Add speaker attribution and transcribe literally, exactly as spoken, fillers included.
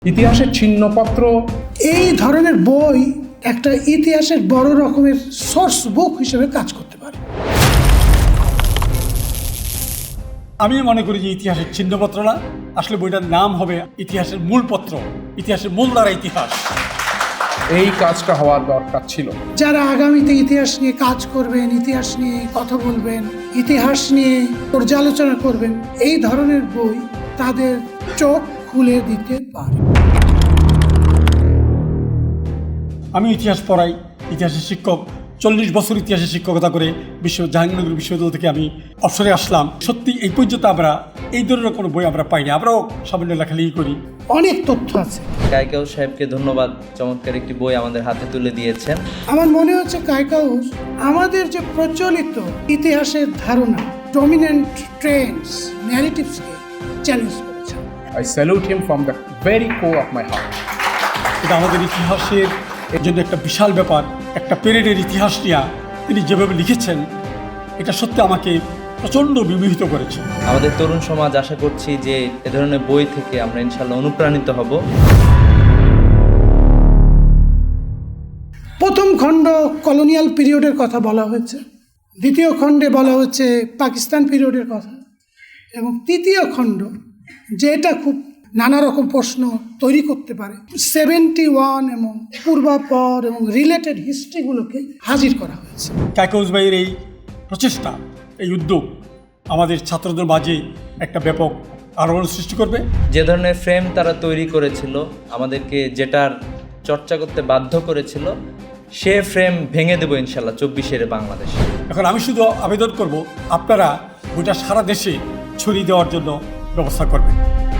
Speaker 1: ইতিহাসের ছিন্নপত্র
Speaker 2: এই ধরনের বই একটা ইতিহাসের বড় রকমের সোর্স বুক হিসেবে কাজ করতে পারে।
Speaker 3: আমি মনে করি যে ইতিহাসের ছিন্নপত্র না, আসলে বইটার নাম হবে ইতিহাসের মূল পত্র, ইতিহাসের মূল দ্বারা ইতিহাস।
Speaker 1: এই কাজটা হওয়ার দরকার ছিল।
Speaker 2: যারা আগামীতে ইতিহাস নিয়ে কাজ করবেন, ইতিহাস নিয়ে কথা বলবেন, ইতিহাস নিয়ে পর্যালোচনা করবেন, এই ধরনের বই তাদের চোখ খুলে দিতে পারে।
Speaker 3: আমি ইতিহাস পড়াই, ইতিহাসের শিক্ষক, চল্লিশ বছর ইতিহাসের শিক্ষকতা করে বিশ্ব জাহাঙ্গীরনগর বিশ্ববিদ্যালয় থেকে আমি অবসরে আসলাম। সত্যি এই পর্যন্ত আমরা এই ধরনের কোনো বই আমরা পাইনি, আমরাও সামান্য লেখালেখি করি।
Speaker 2: অনেক তথ্য আছে।
Speaker 4: কায়কাউস সাহেবকে ধন্যবাদ, চমৎকার একটি বই আমাদের হাতে তুলে দিয়েছেন।
Speaker 2: আমার মনে হচ্ছে কায়কাউস আমাদের যে প্রচলিত ইতিহাসের ধারণা, ডমিনেন্ট ট্রেন্ডস, ন্যারেটিভসকে চ্যালেঞ্জ করেছে।
Speaker 1: I salute him from the very core of my heart.
Speaker 3: এটা আমাদের ইতিহাসের এর জন্য একটা বিশাল ব্যাপার, একটা পেরেডের ইতিহাস নিয়ে তিনি যেভাবে লিখেছেন, এটা সত্যি আমাকে প্রচণ্ড বিমোহিত করেছে।
Speaker 4: আমাদের তরুণ সমাজ আশা করছি যে এ ধরনের বই থেকে আমরা ইনশাল্লাহ অনুপ্রাণিত হব।
Speaker 2: প্রথম খণ্ড কলোনিয়াল পিরিয়ডের কথা বলা হয়েছে, দ্বিতীয় খণ্ডে বলা হচ্ছে পাকিস্তান পিরিয়ডের কথা, এবং তৃতীয় খণ্ড যেটা খুব নানা রকম প্রশ্ন তৈরি করতে পারে, সেভেন্টি ওয়ান এবং পূর্বাপর এবং রিলেটেড হিস্ট্রিগুলোকে হাজির করা হয়েছে।
Speaker 3: কায়কাউস ভাইয়ের এই প্রচেষ্টা, এই উদ্যোগ আমাদের ছাত্রদের মাঝে একটা ব্যাপক আলোড়ন সৃষ্টি করবে।
Speaker 4: যে ধরনের ফ্রেম তারা তৈরি করেছিল, আমাদেরকে যেটার চর্চা করতে বাধ্য করেছিল, সে ফ্রেম ভেঙে দেবো ইনশাল্লাহ চব্বিশের বাংলাদেশে।
Speaker 3: এখন আমি শুধু আবেদন করব, আপনারা বইটা সারা দেশে ছড়িয়ে দেওয়ার জন্য ব্যবস্থা করবেন।